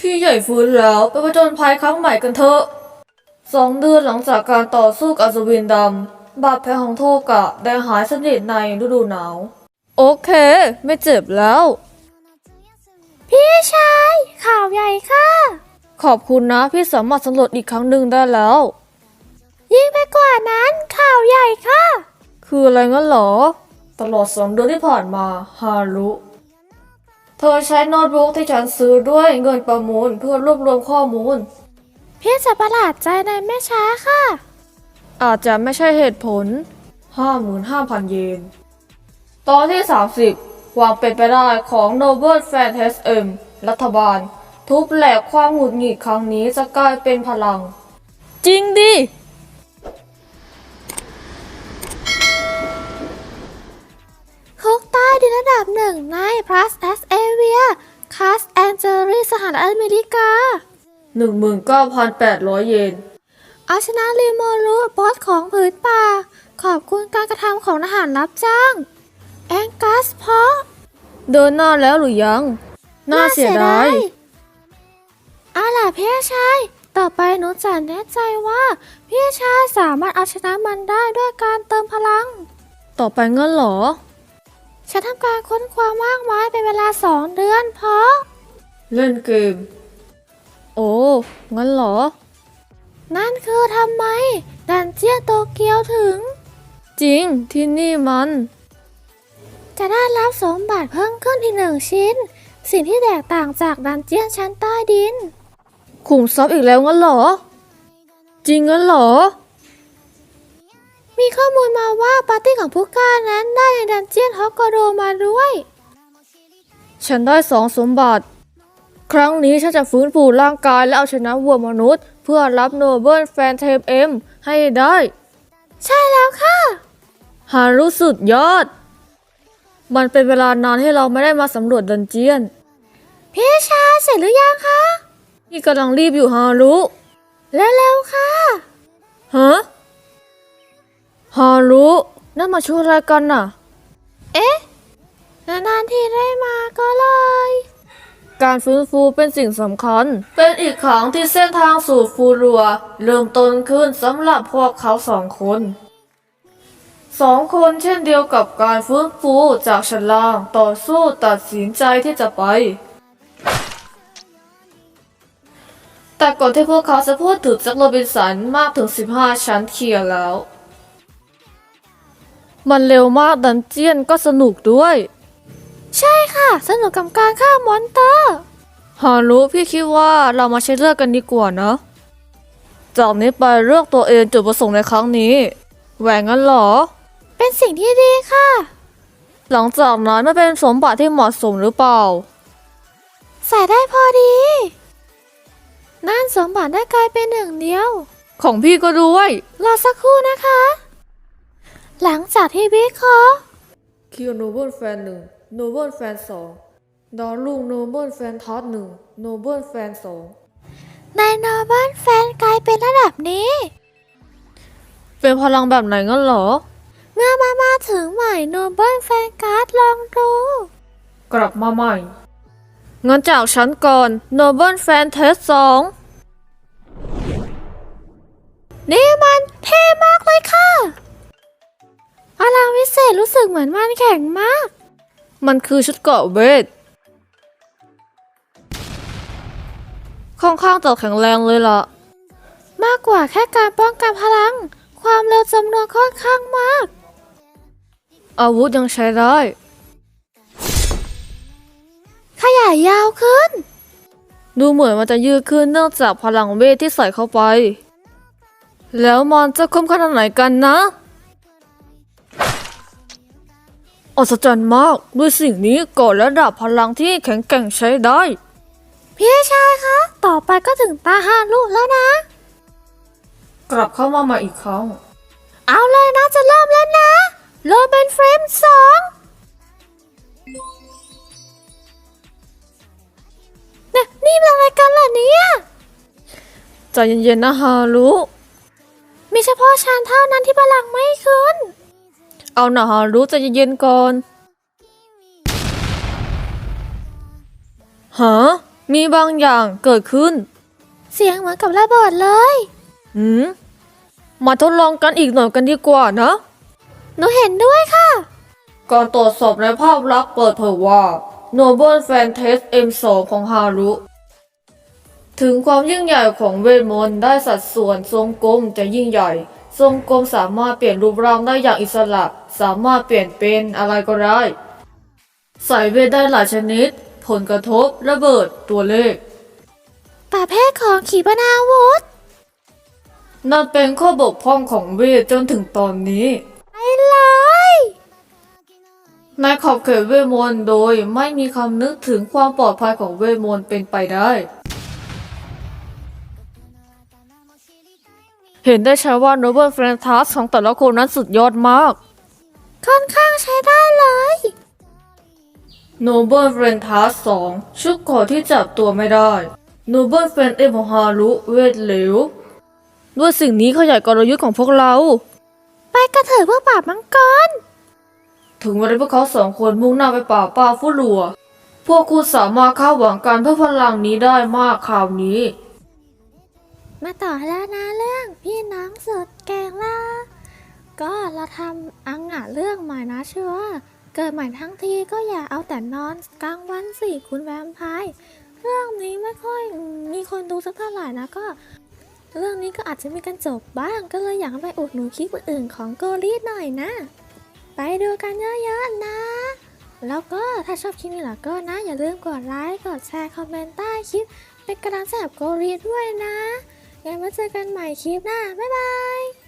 พี่ใหญ่ฟื้นแล้วไปผจญภัยครั้งใหม่กันเถอะ2 เดือนหลังจากการต่อสู้กับอัศวินดำบาดแผลของโทกะได้หายสนิทในฤดูหนาวโอเคไม่เจ็บแล้วพี่ชายข่าวใหญ่ค่ะขอบคุณนะพี่สามารถสำรวจอีกครั้งหนึ่งได้แล้วยิ่งไปกว่านั้นข่าวใหญ่ค่ะคืออะไรงั้นเหรอตลอด2 เดือนที่ผ่านมาฮารุเธอใช้โน้ตบุ๊กที่ฉันซื้อด้วยเงินประมูลเพื่อรวบรวมข้อมูลพี่จะประหลาดใจในไม่ช้าค่ะอาจจะไม่ใช่เหตุผล 55,000 เยนตอนที่ 30ความเป็นไปได้ของ Noble Fantasy M รัฐบาลทุบแหลกความหงุดหงิดครั้งนี้จะกลายเป็นพลังจริงดิคุกใต้ดินระดับ1ใน Plus S Avia คาสแอนเจลิสหรัฐอเมริกา 19,800 เยนเอาชนะริโมรุบอสของผืนป่าขอบคุณการกระทำของทหารรับจ้างแองกัสเพาะเดินหน้าแล้วหรือยังน่าเสียดายเอาล่ะพี่ชายต่อไปหนูจะแน่ใจว่าพี่ชายสามารถเอาชนะมันได้ด้วยการเติมพลังต่อไปงั้นเหรอฉันทำการค้นคว้ามากมายเป็นเวลา2 เดือนเพราะเล่นเกมโอ้งั้นเหรอนั่นคือทำไมดันเจียนโตเกียวถึงจริงที่นี่มันจะได้รับสมบัติเพิ่มขึ้นอีก1 ชิ้นสิ่งที่แตกต่างจากดันเจียนชั้นใต้ดินขุมทรัพย์อีกแล้วงั้นเหรอจริงงั้นเหรอมีข้อมูลมาว่าปาร์ตี้ของผู้กล้านั้นได้ในดันเจียนฮอกโกโดมาด้วยฉันได้2 สมบัติครั้งนี้ฉันจะฟื้นฟูร่างกายและเอาชนะวัวมนุษย์เพื่อรับโนเบิลแฟนเทมเอ็มให้ได้ใช่แล้วค่ะหารู้สุดยอดมันเป็นเวลานานให้เราไม่ได้มาสำรวจดันเจียนพี่ชายเสร็จหรือยังคะพี่กำลังรีบอยู่ฮารุเร็วๆค่ะฮะฮารุนั่นมาช่วยอะไรกันน่ะเอ๊ะนานๆทีได้มาก็เลยการฟื้นฟูเป็นสิ่งสำคัญเป็นอีกครั้งที่เส้นทางสู่ฟูรัวเริ่มต้นขึ้นสำหรับพวกเขา2 คนเช่นเดียวกับการฟื้นฟูจากชั้นล่างต่อสู้ตัดสินใจที่จะไปแต่ก่อนที่พวกเขาจะพูดถึงแจ็คโรบินสันมากถึง15 ชั้นเคลียร์แล้วมันเร็วมากดันเจียนก็สนุกด้วยใช่ค่ะสนุกกับการฆ่ามอนเตอร์ฮารุพี่คิดว่าเรามาใช้เลือกกันดีกว่านะจากนี้ไปเลือกตัวเองจุดประสงค์ในครั้งนี้แหวงงั้นเหรอเป็นสิ่งที่ดีค่ะหลังจากนั้นไม่เป็นสมบัติที่เหมาะสมหรือเปล่าใส่ได้พอดีนั่นสมบัติได้กลายเป็น1 เดียวของพี่ก็ด้วยรอสักครู่นะคะหลังจากที่วิเคราะห์คิวโนเบิลแฟน1โนเบิลแฟน2ดอลลูกโนเบิลแฟนทอส1โนเบิลแฟน2 ในโนเบิลแฟนกลายเป็นระดับนี้เป็นพลังแบบไหนงั้นเหรอเมื่อมาถึงใหม่โนเบิลแฟนการ์ดลองดูกลับมาใหม่งั้นจากฉันก่อนโนเบิลแฟนเทส2 นี่มันเท่มากเลยค่ะพลังวิเศษรู้สึกเหมือนมันแข็งมากมันคือชุดเกราะเวทค่อนข้างจะแข็งแรงเลยล่ะมากกว่าแค่การป้องกันพลังความเร็วจำนวนค่อนข้างมากอาวุธยังใช้ได้ขยายยาวขึ้นดูเหมือนมันจะยืดขึ้นเนื่องจากพลังเวทที่ใส่เข้าไปแล้วมันจะคมขนาดไหนกันนะอัศจรรย์มากด้วยสิ่งนี้ก่อระดับพลังที่แข็งแกร่งใช้ได้พี่ชายคะต่อไปก็ถึงตาฮารุแล้วนะกลับเข้ามาใหม่อีกครั้งเอาเลยนะจะเริ่มแล้วนะโรเบนเฟรม2นี่เป็นอะไรกันล่ะเนี่ยใจเย็นๆนะฮารุมีเฉพาะฉันเท่านั้นที่พลังไม่ขึ้นเอาหน่าฮารุใจเย็นๆก่อนฮะมีบางอย่างเกิดขึ้นเสียงเหมือนกับระเบิดเลยมาทดลองกันอีกหน่อยกันดีกว่านะหนูเห็นด้วยค่ะการตรวจสอบในภาพลักษณ์เปิดเผยว่า Noble Fan Test M2 ของฮารุ ถึงความยิ่งใหญ่ของเวทมนต์ได้สัดส่วนทรงกลมจะยิ่งใหญ่ ทรงกลมสามารถเปลี่ยนรูปร่างได้อย่างอิสระ สามารถเปลี่ยนเป็นอะไรก็ได้ ใส่เวทได้หลายชนิด ผลกระทบ ระเบิด ตัวเลขประเภทของขีปนาวุธนั่นเป็นข้อบกพร่องของเวทจนถึงตอนนี้ไปเลยในขอบเขตเวทมนต์โดยไม่มีคำนึกถึงความปลอดภัยของเวทมนต์เป็นไปได้ เห็นได้ชัดว่า Noble Fan Task ของแต่ละคนนั้นสุดยอดมากค่อนข้างใช้ได้เลย Noble Fan Task 2 ชุดเกราะที่จับตัวไม่ได้ Noble Fan เอมฮารุเวทเหลว ด้วยสิ่งนี้ขยายกลยุทธ์ของพวกเราไปกระเถิบเพื่อปราบมังกรถึงเวลาพวกเขาสองคนมุ่งหน้าไปป่าป้าฟุลัว พวกคุณสามารถคาดหวังการเพิ่มพลังนี้ได้มากคราวนี้มาต่อแล้วนะเรื่องพี่น้องสุดแกงล่ะก็เราทำอังอะเรื่องใหม่นะเชื่อเกิดใหม่ทั้งทีก็อย่าเอาแต่นอนกลางวันสิคุณแวมไพร์เรื่องนี้ไม่ค่อยมีคนดูสักเท่าไหร่นะก็เรื่องนี้ก็อาจจะมีกันจบบ้างก็เลยอยากไปอุดหนุนคลิปอื่นๆของโกรีดหน่อยนะ ไปดูกันเยอะๆนะ แล้วก็ถ้าชอบคลิปนี้ล่ะก็นะอย่าลืมกดไลค์กดแชร์คอมเมนต์ใต้คลิปเป็นกำลังใจกับโกรีดด้วยนะงั้นมาเจอกันใหม่คลิปหน้าบ๊ายบาย